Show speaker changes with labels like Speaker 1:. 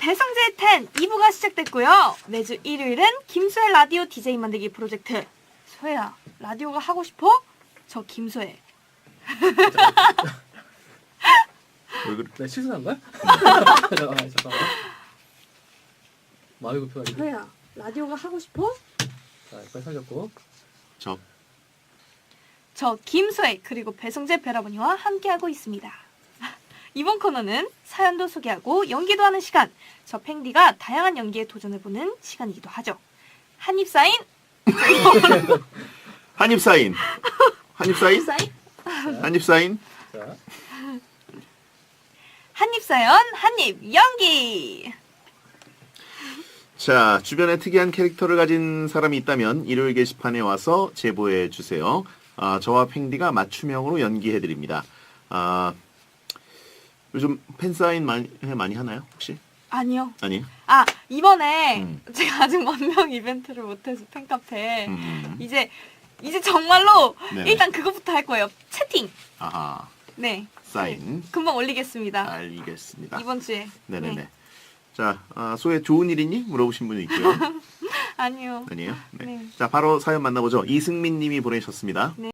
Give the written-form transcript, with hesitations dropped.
Speaker 1: 배성재 10 2부가 시작됐고요. 매주 일요일은 김소혜 라디오 DJ 만들기 프로젝트. 소혜야, 라디오가 하고 싶어? 저 김소혜.
Speaker 2: 왜 그래?
Speaker 3: 내가 실수한 거야? 잠깐만. 마음이 급해가지고.
Speaker 1: 소혜야, 라디오가 하고 싶어?
Speaker 3: 자, 빨리 살렸고.
Speaker 1: 저 김소혜 그리고 배성재 배라버니와 함께하고 있습니다. 이번 코너는 사연도 소개하고 연기도 하는 시간. 저 팽디가 다양한 연기에 도전해보는 시간이기도 하죠. 한입 사인?
Speaker 2: 한입 사인. 한입 사인?
Speaker 1: 사인?
Speaker 2: 한입 사인?
Speaker 3: 자,
Speaker 1: 한입 사연, 한입 연기!
Speaker 2: 자, 주변에 특이한 캐릭터를 가진 사람이 있다면 일요일 게시판에 와서 제보해 주세요. 저와 팽디가 맞춤형으로 연기해 드립니다. 요즘 팬사인 많이 하나요, 혹시?
Speaker 1: 아니요.
Speaker 2: 아니에요?
Speaker 1: 이번에 제가 아직 만명 이벤트를 못해서 팬카페 이제 정말로
Speaker 2: 네네.
Speaker 1: 일단 그것부터 할 거예요. 채팅.
Speaker 2: 아하,
Speaker 1: 네.
Speaker 2: 사인.
Speaker 1: 금방 올리겠습니다.
Speaker 2: 알겠습니다.
Speaker 1: 이번 주에.
Speaker 2: 네네네.
Speaker 1: 네.
Speaker 2: 자, 소혜 좋은 일 있니? 물어보신 분이 있고요.
Speaker 1: 아니요.
Speaker 2: 아니에요? 네.
Speaker 1: 네.
Speaker 2: 자, 바로 사연 만나보죠. 이승민 님이 보내셨습니다.
Speaker 1: 네.